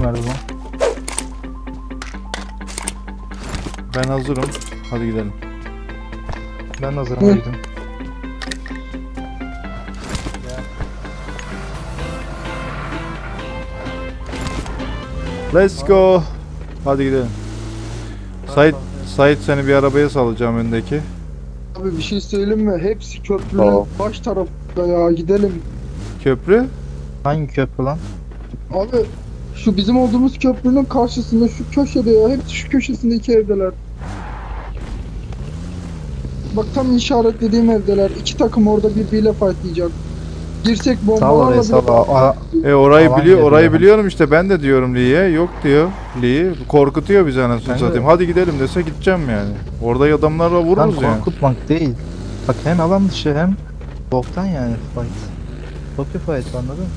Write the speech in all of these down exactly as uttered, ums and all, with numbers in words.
izin ver o zaman. Ben hazırım. Hadi gidelim. Ben hazırım dedim. Let's go. Hadi gidelim. Sait, Sait seni bir arabaya salacağım öndeki. Abi bir şey söyleyeyim mi? Hepsi köprünün Tamam. baş tarafında ya, gidelim. Köprü. Hangi köprü lan? Abi şu bizim olduğumuz köprünün karşısında şu köşede ya, hepsi şu köşesindeki evdeler. Bak tam işaretlediğim evdeler. İki takım orada birbiriyle fightlayacak. Girsek Sağ bombalarla oraya sağ bile... ol. E orayı Alan biliyor, geliyor orayı hemen. biliyorum işte. Ben de diyorum Lee'ye. Yok diyor. Lee korkutuyor bizi anasını Ben de- satayım. Hadi gidelim dese gideceğim yani. Orada adamlarla Lan vururuz yani. korkutmak değil. Bak hem alan dışı hem boktan yani fight. Çok bir fight, anladın mı?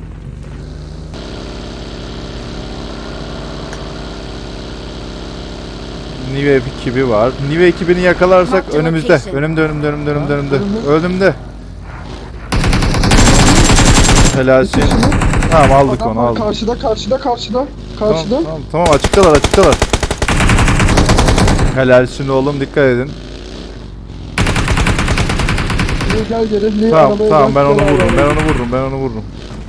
Nive ekibi var. Nive ekibini yakalarsak Marked önümüzde. location. Önümde, önümde, önümde, önümde, önümde. önümde. Önümde. Helalsin. Tamam aldık Adam onu var aldık. karşıda, karşıda, karşıda. Karşıda. Tamam, tamam, tamam açıktalar açıktalar. Helalsin oğlum, dikkat edin. Lee gel geri. Lee Tamam arabaya tamam gel, ben onu gel vururum. Ben arabaya. onu vururum. Ben onu vururum.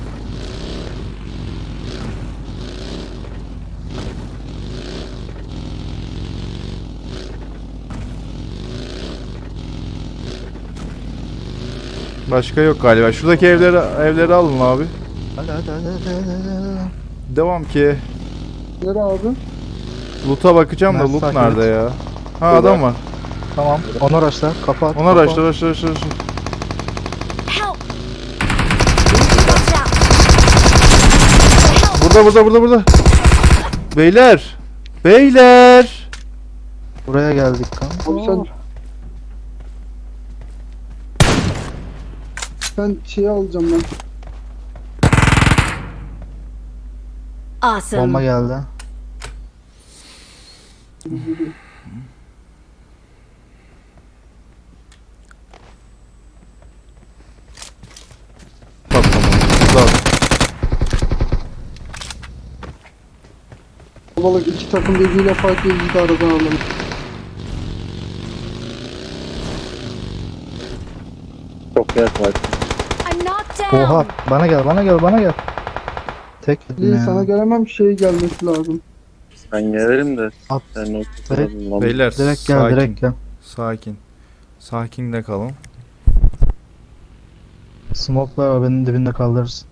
Başka yok galiba. Şuradaki evleri evleri alın abi. Hadi hadi hadi hadi hadi, hadi, hadi. Devam ki. Geri abi. Loot'a bakacağım da Ben loot takip nerede et. ya? Ha adam var. Tamam. Onu araçlar kapat. Ona araçlar araçlar araçlar. araçlar. Help! Watch out! Help! Burada burada burada burada. Beyler. Beyler. Buraya geldik kanka. Abi sen... Ben şeyi alacağım ben. Awesome. Bomba geldi. Tamam. Tamam. Balık iki takım birbiriyle fightlayıp bizi de aradan alalım. Çok yer var. I'm knocked down. Oha, bana gel bana gel bana gel. Tek yedim Lee ya. sana gelemem, şey gelmesi lazım. Ben gelirim de. At. Sen o Direkt- lan. Beyler Direkt gel sakin. direkt gel. Sakin. Sakin de kalın. Smoke'lar arabanın dibinde kaldırırsın.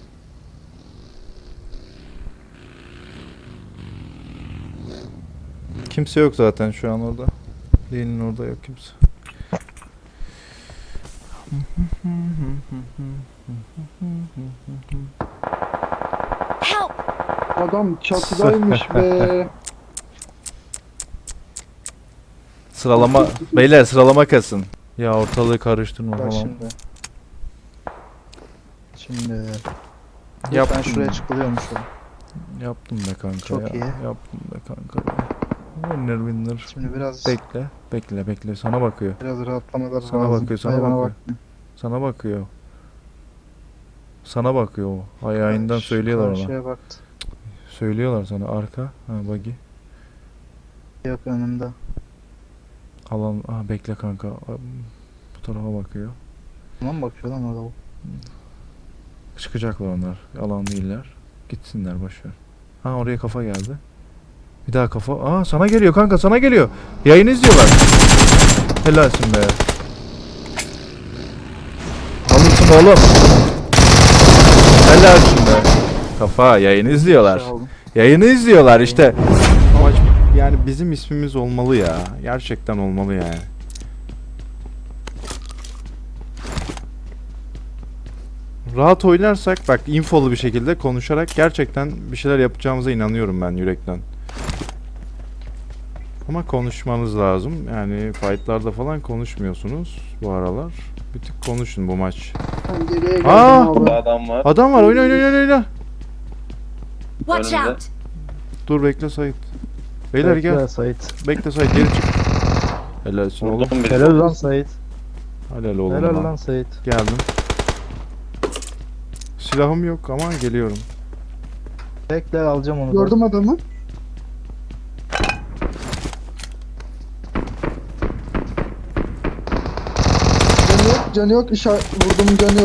Kimse yok zaten şu an orada. Değilin orada yok kimse. Help! Adam çatıdaymış be. Sıralama beyler sıralama kasın. Ya ortalığı karıştırma Bak falan. şimdi. Şimdi. Yaptım. Ben şuraya çıkılıyormuşum. Yaptım be kanka Çok ya. iyi. Yaptım be kanka. Be. Winner winner. Şimdi biraz Bekle. Bekle bekle. Sana bakıyor. biraz rahatlamalar Sana lazım. bakıyor, sana Hayır, bana bakıyor. bak. Sana bakıyor. Sana bakıyor o. Ayağından Şu söylüyorlar ona. karşıya baktı. Söylüyorlar sana arka. Ha buggy. Yok önümde. Alan. Ah bekle kanka. Bu tarafa bakıyor. Tamam bakıyor lan orada. Çıkacaklar onlar. Alan değiller. Gitsinler boşver. Ha oraya kafa geldi. Bir daha kafa. Aa sana geliyor kanka sana geliyor. Yayını izliyorlar. Helalsin be. Alırsın oğlum. Helalsin be. Kafa yayını izliyorlar. Şey aldım. Yayını izliyorlar işte. Amaç yani bizim ismimiz olmalı ya. Gerçekten olmalı yani. Rahat oynarsak bak infolu bir şekilde konuşarak gerçekten bir şeyler yapacağımıza inanıyorum ben yürekten. Ama konuşmanız lazım. Yani fightlarda falan konuşmuyorsunuz bu aralar. Bir tık konuşun bu maç. Ben geriye geldim Aa! abi. Burada adam var. Adam var oyna oyna oyna oyna. Watch Önümde. out! Dur bekle Sait. Beyler gel. Bekle Sait. Bekle Sait geri çık. Helalsin oğlum. Vurdum biri. Helal lan Sait. Helal oğlum. Helal lan. lan Sait. Geldim. Silahım yok ama geliyorum. Bekle alacağım onu. da. Gördüm adamı. Canı yok, canı yok. İşaret vurdum, canı yok.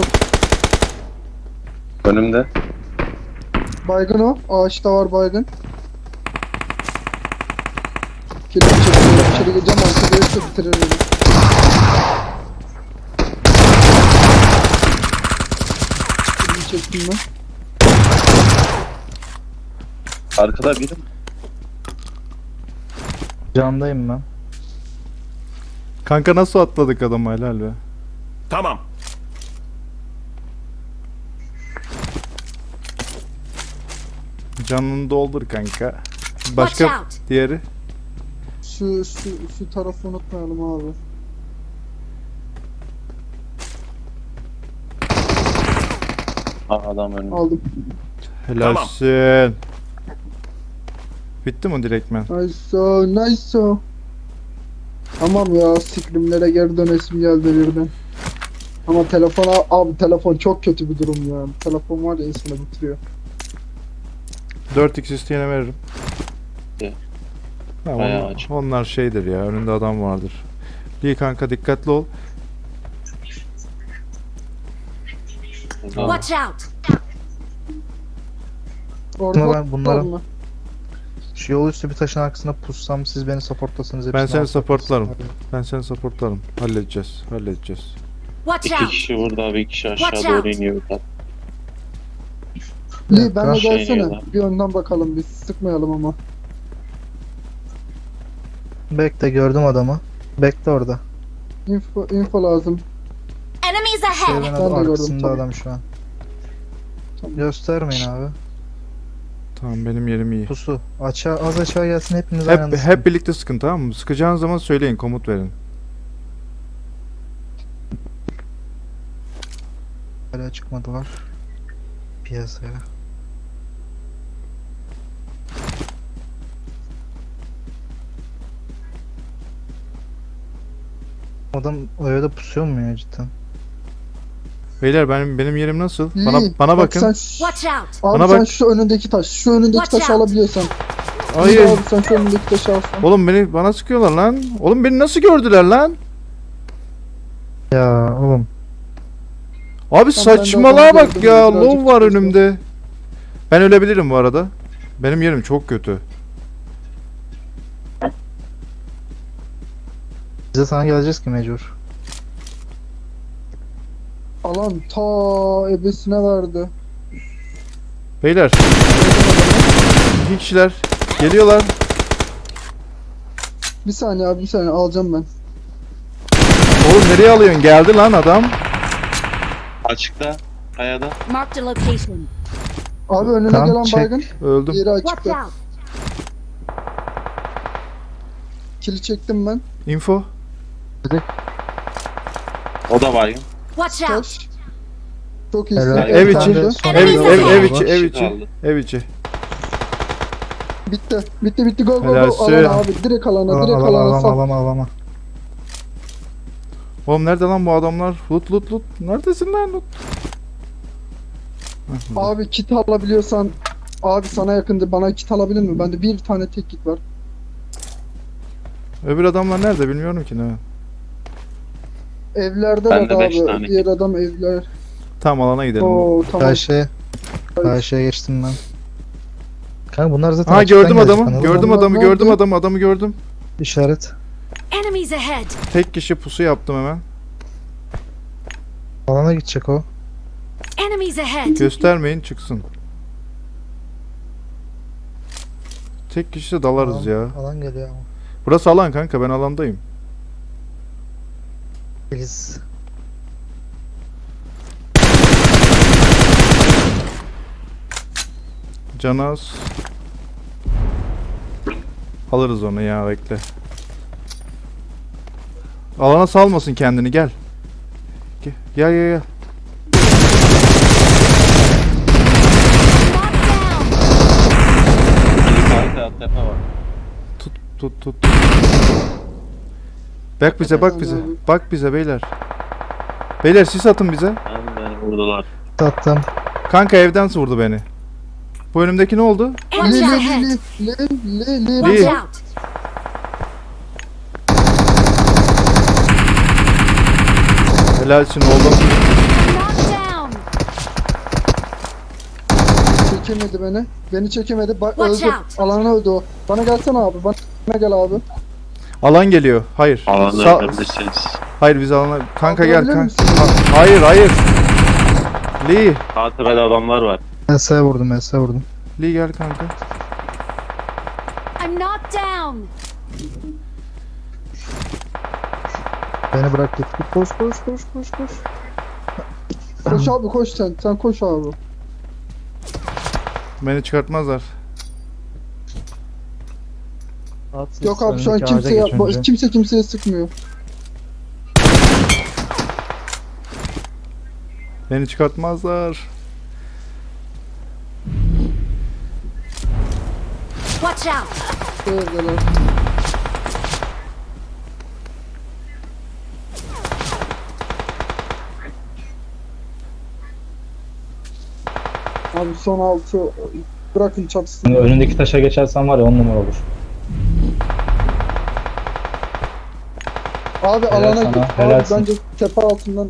Önümde. Baygın o. Ağaçta var baygın. Kilimi çekiyorum. İçeri gireceğim. Arka gelirse bitirir beni. Kilimi çektim ben. Arkada biri mi? Candayım ben. Kanka nasıl atladık adamı, helal be. Tamam. Canını doldur kanka. Watch Başka out. diğeri. Şu, şu, şu tarafı unutmayalım abi. Aa, adam önümde. Aldım. Helalsin. Bitti mi direktmen? Nice o, nice o. Tamam ya, sikrimlere geri dönesim geldi birden. Ama telefona, abi telefon çok kötü bir durum ya. Telefon var ya, insanı bitiriyor. dört x isteyene veririm. İyi. Ha, Bayağı onlar, açık. onlar şeydir ya, önünde adam vardır. Lee kanka dikkatli ol. Burada. Watch out. Orada Bunlar- var bunların- mı? Şu yol üstü bir taşın arkasına pussam siz beni supportlasınız. Ben hepsini seni alsanız. supportlarım. Ben seni supportlarım. Halledeceğiz. Halledeceğiz. Watch İki out. kişi burada, bir kişi aşağı Watch doğru out. iniyor. Lee ben de Şey gelsene. iniyorlar. Bir önden bakalım, biz sıkmayalım ama. Bekle gördüm adamı. Bekle orada. Info, info lazım. Enemies Şey ahead. ben Ben de gördüm, arkasında tamam. adam şu an. Tamam. Göstermeyin abi. Tamam, benim yerim iyi. Pusu. Aşağı, az aşağı gelsin hepiniz aynı Hep anda hep birlikte sıkın, tamam mı? Sıkacağınız zaman söyleyin, komut verin. sıkın. Hala çıkmadılar. Piyasaya. Adam o evde pusuyor mu ya cidden? Beyler benim benim yerim nasıl? Lee, Bana bana bak bakın. Sen, Watch out. abi Bana sen bak. şu önündeki taş, şu önündeki Watch taşı out. alabiliyorsan. Hayır. Lee abi sen şu önündeki taşı alsan. Oğlum beni bana sıkıyorlar lan. Oğlum beni nasıl gördüler lan? Ya oğlum. Abi ben de saçmalığa adamı bak gördüm, ya. birazcık Low var tutuştu. önümde. Ben ölebilirim bu arada. Benim yerim çok kötü. Biz de sana geleceğiz ki mecbur. Alan ta ebesine verdi. Beyler. İki kişiler geliyorlar. Bir saniye abi, bir saniye alacağım ben. Oğlum nereye alıyorsun? Geldi lan adam. Açıkta, kayada. Marked a location. Abi önüne Tamam, gelen çek. baygın. Öldüm. Diğeri Watch açıkta. out. Kili çektim ben. Info. O da baygın. Watch out. Taş. Çok iyisin. Helal. Ev Bir içi. tane de. Son Ev, Enemies ev, ev ahead. içi, ev Kişi içi. kaldı. Ev içi. Bitti. Bitti bitti gol gol Helalsin. gol. Alana abi, direkt alana, Alama direkt alama alana alama sal. alama alama. Oğlum nerede lan bu adamlar? Lut lut lut. Neredesin lan lut? Heh, burada. Abi kit alabiliyorsan, abi sana yakındı, bana kit alabilir mi? Bende bir tane tek kit var. Öbür adamlar nerede bilmiyorum ki ne. Evlerde Bende var beş abi. tane Diğer adam evler. Tam alana gidelim. Oo tamam. Karşıya. Karşıya geçtim ben. Kanka bunlar zaten Ha açıktan gördüm gelecek adamı. bana. Gördüm Adamlar adamı, gördüm nerede? adamı, adamı gördüm. İşaret. Enemies ahead. Tek kişi pusu yaptım hemen. Alana gidecek o. Enemies ahead. Göstermeyin çıksın. Tek kişi de dalarız Alan- ya. Alan geliyor ama. Burası alan kanka, ben alandayım. Biz. Canaz. Alırız onu ya, bekle. Alana salmasın kendini, gel. Gel gel gel. gel. Knocked down. Yukarıda tepe var. Tut tut tut. Bak bize, bak bize. Bak bize beyler. Beyler sis atın bize. Ben beni vurdular. Tattım. Kanka evden vurdu beni. Bu önümdeki ne oldu? Li Enemies li ahead. li li li li Watch Lee. out. Helalsin oğlum. Knocked down. Çekemedi beni. Beni çekemedi. Bak Watch öldü. out. Alana öldü o. Bana gelsene abi. Bana gel abi. Alan geliyor. Hayır. Alanda Sa- ölebilirsiniz. hayır biz alana... Kanka Abi, gel ölebilir kanka. misin? Ha- hayır hayır. Lee. Sağ tepede adamlar var. M S'ye vurdum, M S'ye vurdum. Lee gel kanka. I'm knocked down. Beni bırak git. Koş koş koş koş koş. Koş abi koş sen. Sen koş abi. Beni çıkartmazlar. At, Yok abi şu an önündeki ağaca kimse geç yapma. önce. Kimse kimseye sıkmıyor. Beni çıkartmazlar. Watch out. Şuradalar. Abi son altı bırakın çatısın. Şimdi önündeki taşa geçersen var ya on numara olur. Abi Helal alana sana, git. Abi helalsin. bence tepe altından.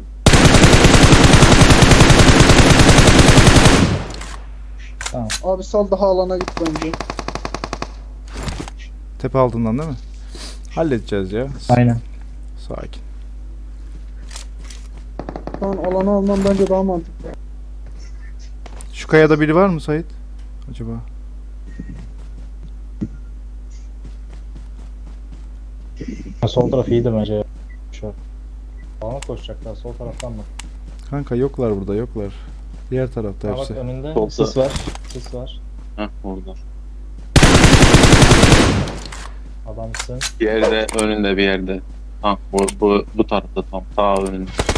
Tamam. Abi sal daha alana git bence. Tepe altından değil mi? Halledeceğiz ya. Aynen. Sakin. Şu an alanı alman bence daha mantıklı. Şu kayada biri var mı Sait? Acaba? Ha, sol taraf iyiydi bence. Şu. Bana koşacaklar sol taraftan mı? Kanka yoklar burada yoklar. Diğer tarafta Ha, bak hepsi. önünde Solda. sis var. Sis var. Heh orada. Adamsın. Bir yerde önünde bir yerde. Ha bu bu bu tarafta tam sağ önünde.